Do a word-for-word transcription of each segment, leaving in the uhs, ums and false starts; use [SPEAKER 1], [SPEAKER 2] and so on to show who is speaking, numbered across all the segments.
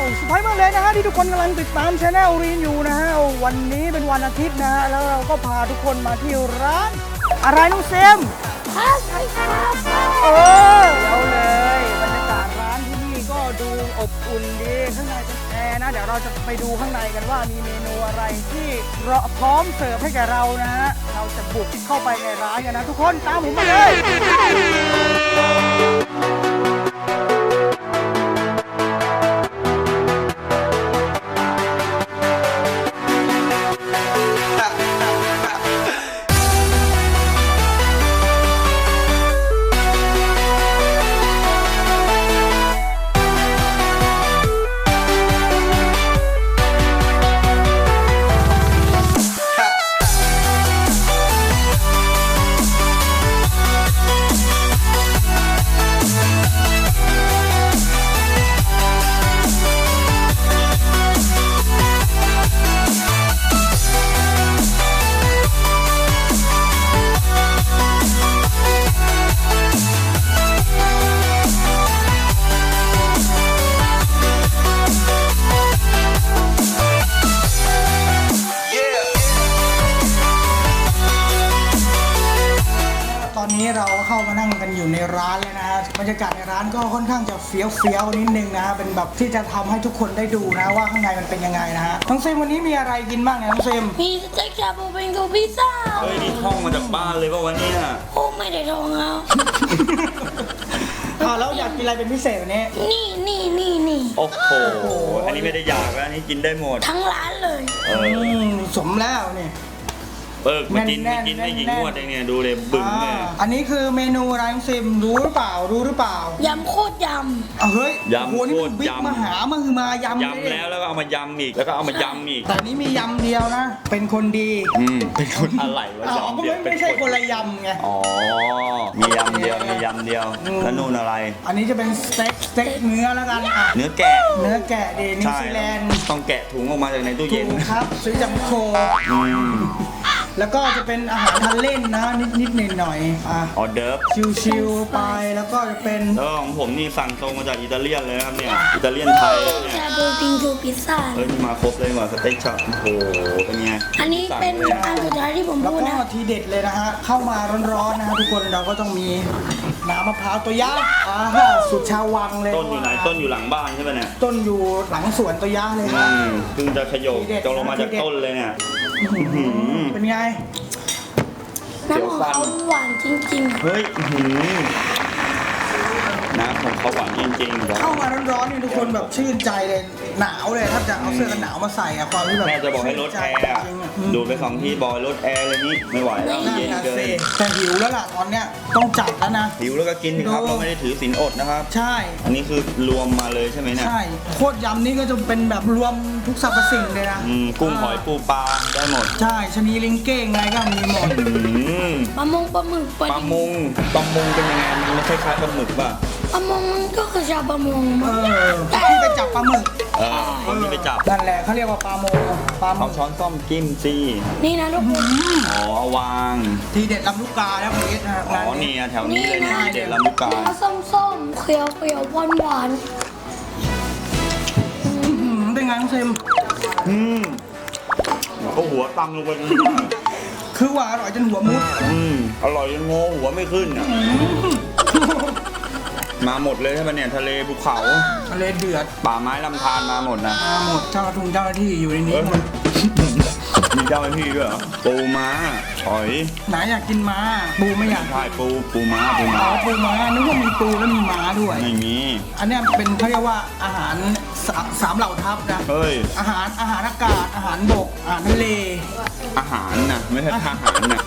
[SPEAKER 1] สุดท้ายมากเลยนะฮะที่ทุกคนกำลังติดตามช anel รีนอยู่นะฮะวันนี้เป็นวันอาทิตย์นะฮะแล้วเราก็พาทุกคนมาที่ร้านอะไรน้องเซม
[SPEAKER 2] คาเฟ่คาเฟ่
[SPEAKER 1] เออเอาเลยบรรยากาศร้านที่นี่ก็ดูอบอุ่นดีข้างในเป็นแอร์นะเดี๋ยวเราจะไปดูข้างในกันว่ามีเมนูอะไรที่พร้อมเสิร์ฟให้แก่เรานะฮะเราจะบุกเข้าไปในร้านกันนะทุกคนตามผมมาเลยตอนนี้เราเข้ามานั่งกันอยู่ในร้านเลยนะฮะบรรยากาศในร้านก็ค่อนข้างจะเฟี้ยวเฟี้ยวนิดนึงนะฮะเป็นแบบที่จะทำให้ทุกคนได้ดูนะว่าข้างในมันเป็นยังไงนะฮะน้องเซมวันนี้มีอะไรกินบ้างเนี่ยน้องเซม
[SPEAKER 2] มีสเต็กชาบูเป็นกับพิซซ่า
[SPEAKER 3] เฮ้ยนี่ท่องมาจากบ้านเลยป่ะวันนี้
[SPEAKER 2] โอ้ไม่ได้ท่องเอา
[SPEAKER 1] อ่าแล้วอยากกินอะไรเป็นพิเศษวันนี้
[SPEAKER 2] นี่นี่นี่นี่
[SPEAKER 3] โอ้โหอันนี้ไม่ได้อยากแล้วอันนี้กินได้หมด
[SPEAKER 2] ทั้งร้านเลย
[SPEAKER 3] เออ
[SPEAKER 1] สมแล้วเนี่ย
[SPEAKER 3] เบิกมากินไม่กินไม่กี่งวดเองเนี่ยดูเลยบึ้งเนี่ย
[SPEAKER 1] อันนี้คือเมนูอะไรน้องเซมรู้หรือเปล่ารู้หรือเปล่าย
[SPEAKER 2] ำโคตรย
[SPEAKER 1] ำเฮ้ย
[SPEAKER 3] ยำโคตร
[SPEAKER 1] ยำมาหามาคือมายำ
[SPEAKER 3] ยำแล้วแล้วก็เอามายำอีกแล้วก็เอามายำอีก
[SPEAKER 1] แต่นี้มียำเดียวนะเป็นคนดี
[SPEAKER 3] อืมเป็นคนอะไรวะยำเดียว
[SPEAKER 1] ไม่ใช่คนละยำไง
[SPEAKER 3] อ๋อมียำเดียวมียำเดียวแล้วนู่นอะไร
[SPEAKER 1] อันนี้จะเป็นสเต็กสเต็กเนื้อแล้วกันอ่ะ
[SPEAKER 3] เนื้อแกะ
[SPEAKER 1] เนื้อแกะดีนิวซีแลนด์
[SPEAKER 3] ต้องแกะถุงออกมาจากในตู้เย็น
[SPEAKER 1] ครับซื้อจากโคแล้วก็จะเป็นอาหารทานเล่นนะนิดๆหน่อยๆอ่ะ
[SPEAKER 3] ออเดิร์ฟ
[SPEAKER 1] ชิวๆไปแล้วก็จะเป็น
[SPEAKER 3] แล้วของผมนี่สั่งตรงมาจากอิตาเลียนเลยครับเนี่ยอิตาเลียนไทยเนี่ย
[SPEAKER 2] ชาบูปิงกับพิซซ่า
[SPEAKER 3] เฮ้ยมาครบเลยว่ะสเต็กช็อปโอ้โหเป็นไง
[SPEAKER 2] อันนี้เป็นอันสุดท้ายที่ผมพูดนะ
[SPEAKER 1] แล้วก็ทีเด็ดเลยนะฮะเข้ามาร้อนๆนะฮะทุกคนเราก็ต้องมีน้ำมะพร้าวตัวยักษ์อ่าสุดชาววังเลย
[SPEAKER 3] ต้นอยู่ไหนต้นอยู่หลังบ้านใช่ไหมเนี่ย
[SPEAKER 1] ต้นอยู่หลังสวนตัวยักษ์เลย
[SPEAKER 3] อืมเพิ่งจะขยบจงลงมาจากต้นเลยเนี่ย
[SPEAKER 1] เป็นไง
[SPEAKER 2] น้ำของเขาหวานจริงๆ
[SPEAKER 3] เฮ้ยน้ำของเขาหวานจริงๆ
[SPEAKER 1] เข้ามาร้อนๆนี่ทุกคนแบบชื่นใจเลยหนาวเลยถ้าจะเอาเสื้อกันหนาวมาใส่อะความที่แบบ
[SPEAKER 3] แม่จะบอกให้ลดแอร์ดูไปสองที่บอยลดแอร์เลยนี่ไม่ไหวแล้วเย็นเกิน
[SPEAKER 1] แต่หิวแล้วล่ะตอนเนี้ยต้องจัดแล้วนะ
[SPEAKER 3] หิวแล้วก็กินครับเราไม่ได้ถือศีลอดนะครับ
[SPEAKER 1] ใช่
[SPEAKER 3] อันนี้คือรวมมาเลยใช่ไหมเนี่ย
[SPEAKER 1] ใช่โคตรยำนี่ก็จะเป็นแบบรวมทุกสรรพสิ่งเลยนะ
[SPEAKER 3] กุ้งหอยปูปลาได้หมด
[SPEAKER 1] ใช่ชนีลิงเก้งไงก็มีหมด
[SPEAKER 2] ปลามงปลาหมึก
[SPEAKER 3] ปลามงปลามงเป็นยังไงมันไม่คล้ายๆปลาหมึกป่ะ
[SPEAKER 2] ปลามงก็คือชาวปลามง
[SPEAKER 1] เออที่ไปจับปลาหมึก
[SPEAKER 3] เออคนที่ไปจับ
[SPEAKER 1] นั่นแหละเขาเรียกว่าปลาโมปลา
[SPEAKER 3] เอาช้อนส้อมจิ้มซี
[SPEAKER 2] นี่นะทุกคน
[SPEAKER 3] อ๋อวาง
[SPEAKER 1] ทีเด็ดลำลูกกาแล้วพีทนะ
[SPEAKER 3] อ๋อนี่แถวนี้เลยนะทีเด็ดลำลูกกา
[SPEAKER 2] ส้มๆเขียวเขียวหวานหวาน
[SPEAKER 1] เป็นไงน้องเซม
[SPEAKER 3] อืมก็หัวตังลงไป
[SPEAKER 1] คือว่าอร่อยจนหัวมุด
[SPEAKER 3] อืมอร่อยจนงอหัวไม่ขึ้นอ่ะมาหมดเลยใช่ไหมเนี่ยทะเลภูเขา
[SPEAKER 1] ทะเลเดือด
[SPEAKER 3] ป่าไม้ลำธารมาหมดนะ
[SPEAKER 1] มาหมดเจ้าทุงเจ้าหน้าที่อยู่ในนี้หมด
[SPEAKER 3] มีเจ้าหน้าที่ด้วยเหรอปูม้าหอย
[SPEAKER 1] ไหนอยากกินม้าปูไม่อยาก
[SPEAKER 3] ใช่ปูปูม้าปูม้า
[SPEAKER 1] อ๋อปูม้านึกว่ามีปูแล้วมีม้าด้วย
[SPEAKER 3] ไม่มี
[SPEAKER 1] อันนี้เป็นเขาเรียกว่าอาหารสามเหล่าทัพนะ
[SPEAKER 3] เฮ้ย
[SPEAKER 1] อาหารอาหารอากาศอาหารบกอาหารทะเล
[SPEAKER 3] อาหารนะไม่ใช่ทหารนะ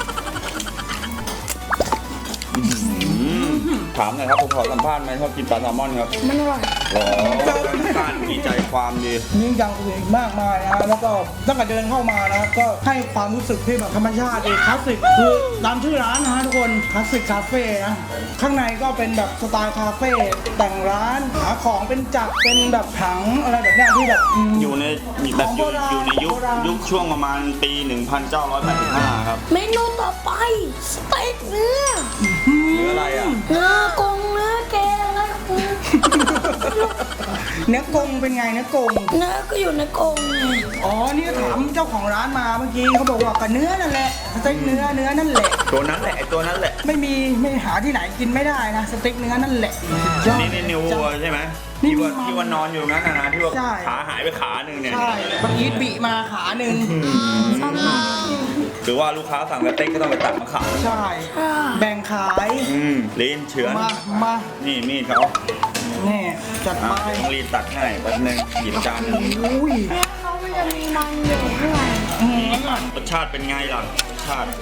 [SPEAKER 3] ถามหน่อยครับผมขอสัมภาษณ์ไหมชอบกินปลาแซลมอนครับ
[SPEAKER 2] มันอร่อย
[SPEAKER 3] อ๋อการมีใจความดี
[SPEAKER 1] มีอย่างอื่นอีกมากมายนะแล้วก็ตั้งแต่เดินเข้ามานะก็ให้ความรู้สึกที่แบบธรรมชาติคลาสสิกคือตามชื่อร้านนะฮะทุกคนคลาสสิกคาเฟ่นะข้างในก็เป็นแบบสไตล์คาเฟ่แต่งร้านหาของเป็นจักรเป็นแบบถังอะไรแบบนี้ที่แบบ
[SPEAKER 3] อยู่ในแบบอยู่อยู่ในยุคยุคช่วงประมาณปีหนึ่งพันเก้าร้อยแปดสิบห้าครับ
[SPEAKER 2] เมนูต่อไปสเต็กเนื้อ
[SPEAKER 3] เนื้ออะไรอ่ะ
[SPEAKER 2] เนื้อกงเนื้อแกงอะไร
[SPEAKER 1] เนื้อกงเป็นไงเนื้อกง
[SPEAKER 2] เนื้อก็อยู่ในกรงไง
[SPEAKER 1] อ๋อนี่ก็ถามเจ้าของร้านมาเมื่อกี้เขาบอกว่ากับเนื้อนั่นแหละสเต็กเนื้อเนื้อนั่นแหละ
[SPEAKER 3] ตัวนั้นแหละไอตัวนั้นแหละ
[SPEAKER 1] ไม่มีไม่หาที่ไหนกินไม่ได้นะสเต็กเนื้อนั่นแหละยอด
[SPEAKER 3] นี่นี่นิววัวใช่ไหม
[SPEAKER 1] นี่
[SPEAKER 3] ที่ว่า
[SPEAKER 1] มัน
[SPEAKER 3] ที่ว่านอนอยู่นั้นนะนะที่ว่า
[SPEAKER 1] ใช่
[SPEAKER 3] ขาหายไปขาหนึ่งเนี่ย
[SPEAKER 1] ใช่บางอีทบีมาขาหนึ่ง
[SPEAKER 3] หรือว่าลูกค้าสั่งสเต็กก็ต้องไปตัดมาขาย
[SPEAKER 1] ใช่แบ่งขาย
[SPEAKER 3] อืมลีนเฉือน
[SPEAKER 1] มามา
[SPEAKER 3] นี่มีดเขา
[SPEAKER 1] นี่จัด
[SPEAKER 3] อ่ะ
[SPEAKER 1] ไป
[SPEAKER 3] ต้องรีดตัดให้แป๊บนึงหยิบจานหนึ่ง
[SPEAKER 1] อุ้ย
[SPEAKER 2] เนื้อเขามันจะมีมันอยู่ข้างใน
[SPEAKER 1] อืม
[SPEAKER 3] รสชาติเป็นไงล่ะรสชาติ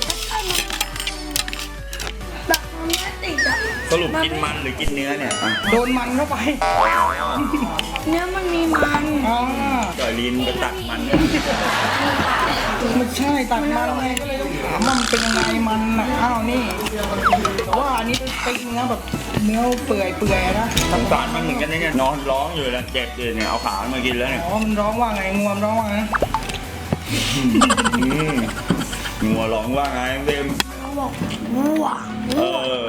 [SPEAKER 2] แบบมันไม่ติดอะ
[SPEAKER 3] สรุปกินมันหรือกินเนื้อเนี่ยอ่ะ
[SPEAKER 1] โดนมันเข้าไป
[SPEAKER 2] เนื้อมันมีมัน
[SPEAKER 1] อ่า
[SPEAKER 3] จอยลีนไปตัดมัน
[SPEAKER 1] ไม่ใช่ตัดมันไงก็เลยต้องถามว่ามันเป็นยังไงมันน่ะอ้าวนี่แต่ว่าอันนี้เป็นสเต็กเนื้อแบบเนื้อเปื่อยเปื่อยๆนะ
[SPEAKER 3] สงสารมันเหมือนกันนะเนี่ยนอนร้องอยู่แล้วเจ็บเลยเนี่ยเอาขามากินแล้วเนี่ย
[SPEAKER 1] อ๋อมันร้องว่าไงงวมร้องว่าไง
[SPEAKER 3] อืมงัวร้องว่าไงเบม
[SPEAKER 2] เขาบอกวัว
[SPEAKER 3] เออ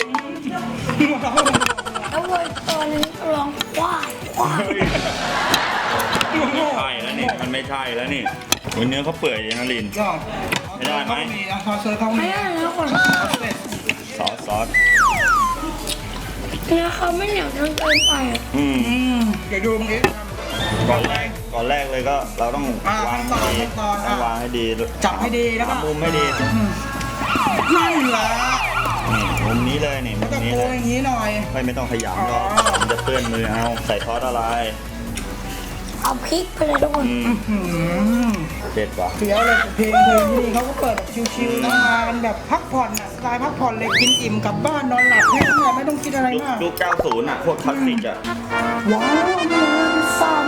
[SPEAKER 2] แล้ววัวตัวนี้ก็ร้องควายควาย
[SPEAKER 3] ไม่ใช่แล้วนี่มันไม่ใช่แล้วนี่โอ้ยเนื้อเขาเปื่อยอย่างนะลิน
[SPEAKER 1] ยอด
[SPEAKER 3] ไม่ได้ไหม
[SPEAKER 1] เขามีนะซอสเซอร์เขา
[SPEAKER 2] ไม่
[SPEAKER 1] มี
[SPEAKER 2] ได้นะคน
[SPEAKER 3] ซอสซอส
[SPEAKER 2] เนื้อเขาไม่เหนียวจนเกินไปอะ
[SPEAKER 3] อืม
[SPEAKER 1] อืมเดี๋ยวดูตรงนี้
[SPEAKER 3] ก่อนแรกก่อนแรกเลยก็เราต้อง
[SPEAKER 1] อ่าว
[SPEAKER 3] าง
[SPEAKER 1] ขั้นตอน
[SPEAKER 3] ให้ดี
[SPEAKER 1] ขั้นตอน
[SPEAKER 3] ต้อง
[SPEAKER 1] อ่ะ
[SPEAKER 3] วางให้ดี
[SPEAKER 1] จับให้ดีแล้วก็
[SPEAKER 3] หามุมให้ดี
[SPEAKER 1] อืมนั่นแหละ
[SPEAKER 3] นี่มุมนี้เลยนี่มุ
[SPEAKER 1] แล้ว
[SPEAKER 3] ม
[SPEAKER 1] ก็
[SPEAKER 3] นี้
[SPEAKER 1] โก
[SPEAKER 3] เลย
[SPEAKER 1] อย่างนี้หน่อย
[SPEAKER 3] ไม่ไม่ต้องขยำหรอก
[SPEAKER 1] อ๋อ
[SPEAKER 3] มันจะเปื้อนมือเอาใส่ซอสอะไร
[SPEAKER 2] เอาพริกไปเลยทุกคน
[SPEAKER 3] อืม
[SPEAKER 1] อืม
[SPEAKER 3] เด็ดว่ะ
[SPEAKER 1] เฟี้ยวเลยเพลงเพลงที่นี่เขาก็เปิดแบบชิวๆนะมากันแบบพักผ่อนอ่ะสไตล์พักผ่อนเลยกินอิ่มกลับบ้านนอนหลับแค่นั้นแหละไม่ต้องคิดอะไร
[SPEAKER 3] ยุค
[SPEAKER 1] มาก
[SPEAKER 3] ยุคเก้าสิบอ่ะพวกคลาสสิกอ่ะ
[SPEAKER 1] ว้าวมันซามา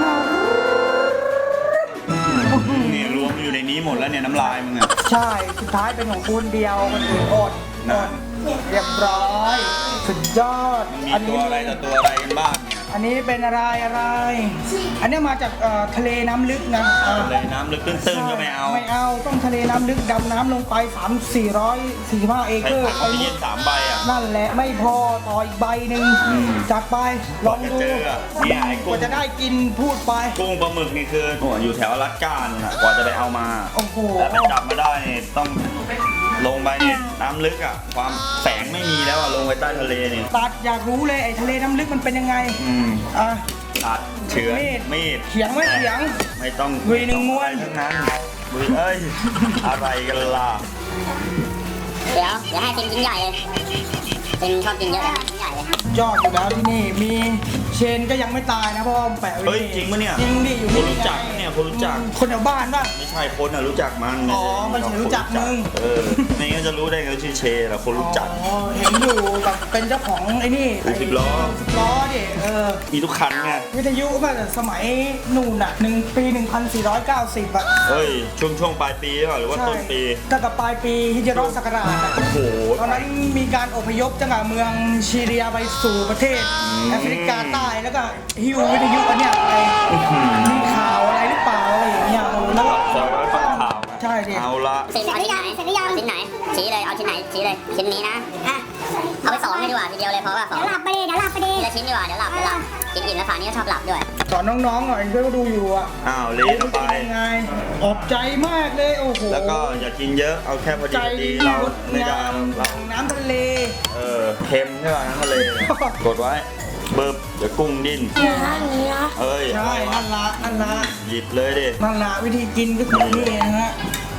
[SPEAKER 3] นี่รวมอยู่ในนี้หมดแล้วเนี่ยน้ำลายมึงอ่ะ
[SPEAKER 1] ใช่ สุดท้ายเป็นของคุณเดียวคนอื่นอดอดเรียบร้อย สุดยอด
[SPEAKER 3] มี
[SPEAKER 1] อัน
[SPEAKER 3] ตั
[SPEAKER 1] นี้
[SPEAKER 3] วอะไรต่อตัวอะไรกันบ้างเนี่ย
[SPEAKER 1] อันนี้เป็นอะไรอะไร อันนี้มาจากเอ่อทะเลน้ำลึกนะอ่า
[SPEAKER 3] เลยน้ำลึกตื้นๆก็ไม่เอา
[SPEAKER 1] ไม่เอาต้องทะเลน้ำลึกดำน้ำลงไปสามสี่ร้อยสี่สิบห้าเอ
[SPEAKER 3] ใช้
[SPEAKER 1] เกอร์
[SPEAKER 3] ถังออกซิเจนสามใบอ่ะ
[SPEAKER 1] นั่นแหละไม่พอต่ออีกใบหนึ่ง
[SPEAKER 3] อืม
[SPEAKER 1] จัดไปล
[SPEAKER 3] ก่อ
[SPEAKER 1] อน ง
[SPEAKER 3] จะ
[SPEAKER 1] ดู
[SPEAKER 3] เจออ่ะเนี่ยไอ้
[SPEAKER 1] ก
[SPEAKER 3] กุ้ง
[SPEAKER 1] ว่าจะได้กินพูดไป
[SPEAKER 3] กุ้งปลาหมึกนี่คือโอ้อยู่แถวอลาสก้านู่นน่ะกว่าจะไปเอามา
[SPEAKER 1] โอ้โห
[SPEAKER 3] แต่ไปจับมาได้นี่ต้องลงไปเนี่ยน้ำลึกอ่ะความแสงไม่มีแล้วอ่ะลงไปใต้ทะเลนี่
[SPEAKER 1] ตัดอยากรู้เลยไอ้ทะเลน้ำลึกมันเป็นยังไง
[SPEAKER 3] อืม
[SPEAKER 1] อ่ะ
[SPEAKER 3] ตัดเฉือน
[SPEAKER 1] มีด
[SPEAKER 3] มีด
[SPEAKER 1] เขียงไม่เขียง
[SPEAKER 3] ไม่ต้อง
[SPEAKER 1] วีหนึ่งม้วน
[SPEAKER 3] ทั้งนั้นวีเอ้ย อะไรกันล่ะ
[SPEAKER 4] เดี๋ยวเดี๋ยวให้กินชิ้นใหญ่เลยเป็นชอบกินเยอะเลยชิ้นใหญ่เลย
[SPEAKER 1] ยอดอยู่แล้วที่นี่มีเชนก็ยังไม่ตายนะเพราะว่ามันแปะไว้
[SPEAKER 3] เฮ้ยจริงปะเนี่ย
[SPEAKER 1] จริงดิอยู่
[SPEAKER 3] คน
[SPEAKER 1] นี่
[SPEAKER 3] รู้จักปะเนี่ยคนรู้จัก
[SPEAKER 1] คนแถวบ้านป่ะ
[SPEAKER 3] ไม่ใช่คนอ่ะรู้จักมัน
[SPEAKER 1] อ๋อไม่ใช่รู้จักมึง
[SPEAKER 3] เออไม่งั้นจะรู้ได้ไงว่าชื่อเชแหละคนรู้จัก
[SPEAKER 1] อ๋อเห็นอยู่แบบเป็นเจ้าของไอ้นี่
[SPEAKER 3] รถสิบล้อ
[SPEAKER 1] สิบล้อดิเออ
[SPEAKER 3] มีทุกคันไง
[SPEAKER 1] วิทยุก็สมัยนู่นอ่ะหนึ่งปีหนึ่งพันสี่ร้อยเก้าสิบอ่ะ
[SPEAKER 3] เฮ้ยช่วงช่วงปลายปีหรือเปล่าหรือว่า
[SPEAKER 1] ใช่
[SPEAKER 3] ต้นปี
[SPEAKER 1] ตั้งแต่ปลายปีฮิจรัสศักราชอะ
[SPEAKER 3] โอ้โห
[SPEAKER 1] ตอนนั้นมีการอพยพจากเมืองซีเรียไปสู่ประเทศ
[SPEAKER 3] อืม
[SPEAKER 1] แอฟริกาใต้แล้วก็ฮิววิทยุอันเนี้ยไปมีข่าวอะไรหรือเปล่าอะไรอย่างเงี้ยโอ้แล้วก็
[SPEAKER 3] คอยไว้ฟังข่าว
[SPEAKER 1] ใช่ดิ
[SPEAKER 3] เอาละ
[SPEAKER 4] เสร็จเอาชิ้นไหนเสร็จหรือยังชิ้นไหนชี้เลยเอาชิ้นไหนชี้เลยชิ้นนี้นะอ่ะเอาไปสองเลยดีกว่าทีเดียวเลยเพราะว่าสอง
[SPEAKER 2] เดี๋ยวหลับไปดิเดี๋ยวหลับไปดิ
[SPEAKER 4] ทีละชิ้นดีกว่าเดี๋ยวหลับเดี๋ยวหลับกินอิ่มแล้วฝานี้ก็ชอบหลับด้วย
[SPEAKER 1] สอนน้องๆหน่อยเพื่อนก็ดูอยู่อ่ะ
[SPEAKER 3] อ้าวเลนไป
[SPEAKER 1] ยังไงออกใจมากเลยโอ้โห
[SPEAKER 3] แล้วก็อย่ากินเยอะเอาแค่พอดี
[SPEAKER 1] ใจ
[SPEAKER 3] พอดี
[SPEAKER 1] ดี
[SPEAKER 3] เรา
[SPEAKER 1] งด
[SPEAKER 3] ไม่ได้
[SPEAKER 1] งาม
[SPEAKER 3] เรา
[SPEAKER 1] น้ำทะเล
[SPEAKER 3] เออเค็มใช่ป่ะน้ำทะเลกดไว้เบิบเดี๋ยวกุ้งดิ้น
[SPEAKER 2] เนื้ออันนี้นะ
[SPEAKER 3] เอ้ย
[SPEAKER 1] ใช่
[SPEAKER 3] อะไรวะ
[SPEAKER 1] นั่นละนั่นละ
[SPEAKER 3] หยิบเลยดิ
[SPEAKER 1] นั่นละวิธีกินก็คือนี่นะฮะ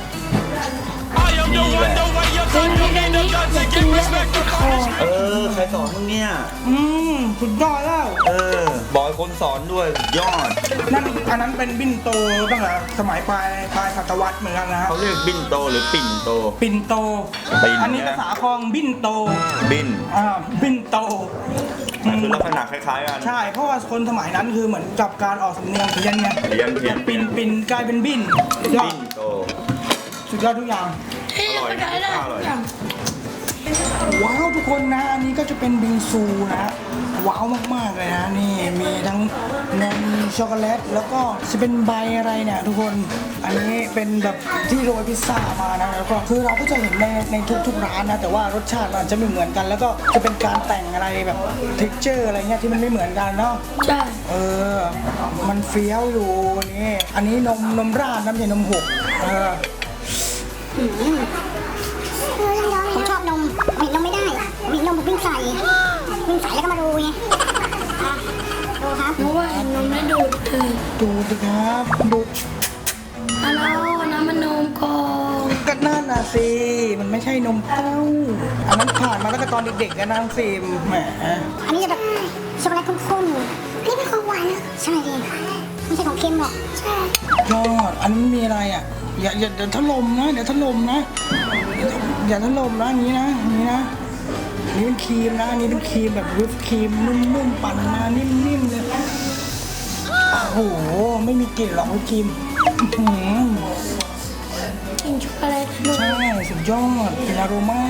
[SPEAKER 3] นี่แหละ
[SPEAKER 2] กินไม่ได้นี่อย่ากินเยอะเดี๋ยวติดคอ
[SPEAKER 3] เออใครสอนมึงเนี่ย
[SPEAKER 1] อืมสุดยอดแล้ว
[SPEAKER 3] เออบอกให้คนสอนด้วยสุดยอด
[SPEAKER 1] นั่นอันนั้นเป็นบินโตตั้งแต่สมัยปลายปลายศตวรรษเหมือนกันนะฮะ
[SPEAKER 3] เขาเรียกบินโตหรือปิ่นโต
[SPEAKER 1] ปินโต
[SPEAKER 3] ปิ่น
[SPEAKER 1] อันนี้ภาษาคลองบินโต
[SPEAKER 3] บิน
[SPEAKER 1] อ่าบินโต
[SPEAKER 3] มันคือลักษณะคล้ายๆกัน
[SPEAKER 1] ใช่ เพราะว่าคนสมัยนั้นคือเหมือนกับการออกสำเนียงเพี้ยนไง
[SPEAKER 3] เรียนเพียน
[SPEAKER 1] ปินปินกลายเป็นบินสุดยอ
[SPEAKER 3] บิ
[SPEAKER 1] ด
[SPEAKER 3] นโต
[SPEAKER 1] สุดยอดทุกอย่าง
[SPEAKER 2] ที่
[SPEAKER 3] อร่อย
[SPEAKER 2] ก็ได้ได้
[SPEAKER 3] อร่อย
[SPEAKER 2] อย่าง
[SPEAKER 1] ว้าวทุกคนนะ อันนี้ก็จะเป็นบิงซูนะว้าวมากๆเลยนะนี่มีทั้งนมช็อกโกแลตแล้วก็จะเป็นใบอะไรเนี่ยทุกคนอันนี้เป็นแบบที่โรยพิซซ่ามานะแล้วก็คือเราก็จะเห็นในในทุกๆร้านนะแต่ว่ารสชาติมันจะไม่เหมือนกัน แล้วก็จะเป็นการแต่งอะไรแบบเท็กเจอร์อะไรเงี้ยที่มันไม่เหมือนกันเนาะ
[SPEAKER 2] ใช่
[SPEAKER 1] เออมันเฟี้ยวอยู่นี่อันนี้นมนมราดน้ำใช่นมหกเออ
[SPEAKER 4] ผมชอบนมบีบนมไม่ได้บีบนมผมวิ่งใส่วิ่งใส่แล้วก็มาดูไงอ่ะดูครับ
[SPEAKER 2] เพราะว่าเห็นนมแล้วดูดเลย
[SPEAKER 1] ดูดิครับดู
[SPEAKER 2] อันนั้นน้ำมันนมก่อน
[SPEAKER 1] ก็นั่นน่ะสิมันไม่ใช่นมเต้าอันนั้นผ่านมาตั้งแต่ตอนเด็กๆกันนะฟิล์มแหม
[SPEAKER 4] อันนี้จะแบบช็อกโกแลตข้นๆอันนี้เป็นของหวานนะใช่ดิไม่ใช่ของเค็มหรอกใช่
[SPEAKER 1] ยอดอันนี้มีอะไรอ่ะอย่าอย่าเดี๋ยวถล่มนะเดี๋ยวถล่มนะอย่าถล่มนะอย่างนี้นะอย่างนี้นะอันนี้เป็นครีมนะอันนี้เป็นครีมแบบวิปครีมนุ่มๆปั่นมานิ่มๆเลยโอ้โหไม่มีกลิ่นหรอกวิปครีมอื้อหือ
[SPEAKER 2] กินช็อกโกแลตนม
[SPEAKER 1] ใช่สุดยอดเป็นอโรมา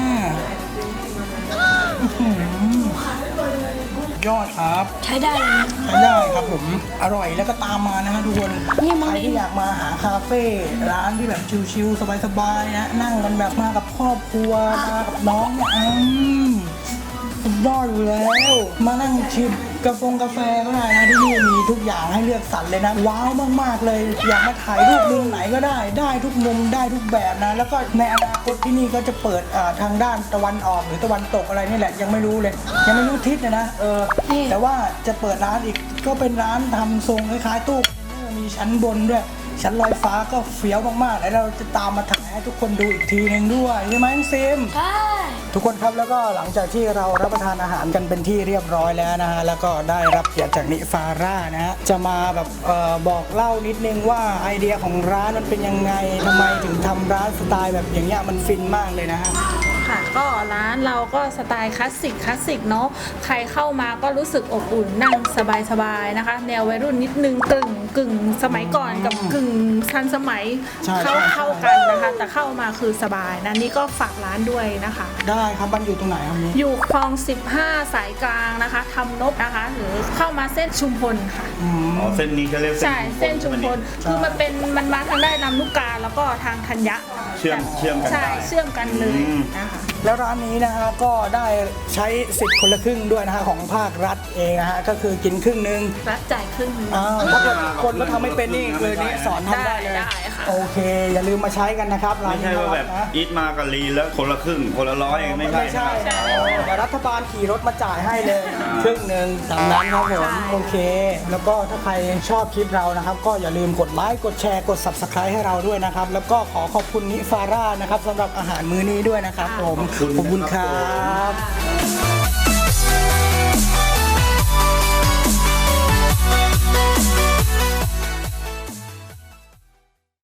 [SPEAKER 1] อื้อหือยอดครับ
[SPEAKER 2] ใช้ได้เลยนะ
[SPEAKER 1] ใช้ได้ครับผมอร่อยแล้วก็ตามมานะฮะทุกคน
[SPEAKER 2] นี่มัน
[SPEAKER 1] ใครที่อยากมาหาคาเฟ่ร้านที่แบบชิลๆสบายๆนะนั่งกันแบบมากับครอบครัวมากับน้องเนี่ยอืมสุดยอดอยู่แล้ว มานั่งชิมกาแฟกาแฟก็ได้นะที่นี่มีทุกอย่างให้เลือกสรรเลยนะว้าวมากๆเลย อยากมาถ่ายรูปมุมไหนก็ได้ ได้ทุกมุมได้ทุกแบบนะ แล้วก็ในอนาคตที่นี่ก็จะเปิดอ่าทางด้านตะวันออกหรือตะวันตกอะไรนี่แหละยังไม่รู้เลย ยังไม่รู้ทิศนะนะเออ แต่ว่าจะเปิดร้านอีกก็เป็นร้านทำทรงคล้ายๆตู้คอนเทนเนอร์มีชั้นบนด้วย ชั้นลอยฟ้าก็เฟี้ยวมากๆแล้วเราจะตามมาถ่ายให้ทุกคนดูอีกทีหนึงด้วยใช่ไหมน้องซิม
[SPEAKER 2] ใช่
[SPEAKER 1] ทุกคนครับแล้วก็หลังจากที่เรารับประทานอาหารกันเป็นที่เรียบร้อยแล้วนะฮะแล้วก็ได้รับเกียรติจากนิฟาร่านะฮะจะมาแบบเออบอกเล่านิดนึงว่าไอเดียของร้านมันเป็นยังไงทำไมถึงทำร้านสไตล์แบบอย่างเงี้ยมันฟินมากเลยนะฮะ
[SPEAKER 5] ค่ะก็ร้านเราก็สไตล์คลาสสิกคลาสสิกเนาะใครเข้ามาก็รู้สึกอบอุ่นนั่งสบายๆนะคะ แนววัยรุ่นนิดนึงกึ่งกึ่งสมัยก่อนกับกึ่งทันสมัย
[SPEAKER 1] ใช่
[SPEAKER 5] เข้า
[SPEAKER 1] ใช่
[SPEAKER 5] เข้ากันนะคะ แต่เข้ามาคือสบายนะนี่ก็ฝากร้านด้วยนะคะ
[SPEAKER 1] ได้ครับมันอยู่ตรงไหนครับนี้
[SPEAKER 5] อยู่คลองสิบห้าสายกลางนะคะทำนบนะคะ หรือเข้ามาเส้นชุมพลค่ะ
[SPEAKER 1] อืม
[SPEAKER 3] อ๋อเส้นนี้เขาเรียก
[SPEAKER 5] ใช่เส้นชุมพล
[SPEAKER 1] ใช่
[SPEAKER 5] คือมันเป็นมันมาทางได้ลำลูกกาแล้วก็ทางธัญญะ
[SPEAKER 3] เชื่อมเชื่อมกัน
[SPEAKER 5] ใช่
[SPEAKER 3] ได้
[SPEAKER 5] เชื่อมกันเลย
[SPEAKER 3] อืม
[SPEAKER 5] นะคะ
[SPEAKER 1] แล้วร้านนี้นะฮะก็ได้ใช้สิทธิ์คนละครึ่งด้วยนะฮะของภาครัฐเองนะฮะก็คือกินครึ่งหนึง
[SPEAKER 5] รัดจ่ายครึ่งหนึ่ง
[SPEAKER 1] อ้าวถ้าเกิดคนก็ทำไม่เป็นนี่คือนี่สอนทำได้เลย
[SPEAKER 5] ได้ได้ค่ะ
[SPEAKER 1] โอเค อย่าลืมมาใช้กันนะครับร้าน
[SPEAKER 3] ไม่
[SPEAKER 1] นี้
[SPEAKER 3] ใช่ว่าแบบ
[SPEAKER 1] นะ
[SPEAKER 3] อีทมากับลีแล้วคนละครึ่งคนละร้อยไม่ใช่
[SPEAKER 1] ไม่ใช่
[SPEAKER 3] นะ
[SPEAKER 1] นะแต่รัฐบาลขี่รถมาจ่ายให้เลยครึ่งหนึ่งตามนั้นครับผมโอเค แล้วก็ถ้าใครชอบคลิปเรานะครับ ก็อย่าลืมกดไลค์กดแชร์กด Subscribe ให้เราด้วยนะครับ แล้วก็ขอขอบคุณนิฟาร่านะครับสำหรับอาหารมื้อนี้ด้วยนะครับผมขอบคุณครับ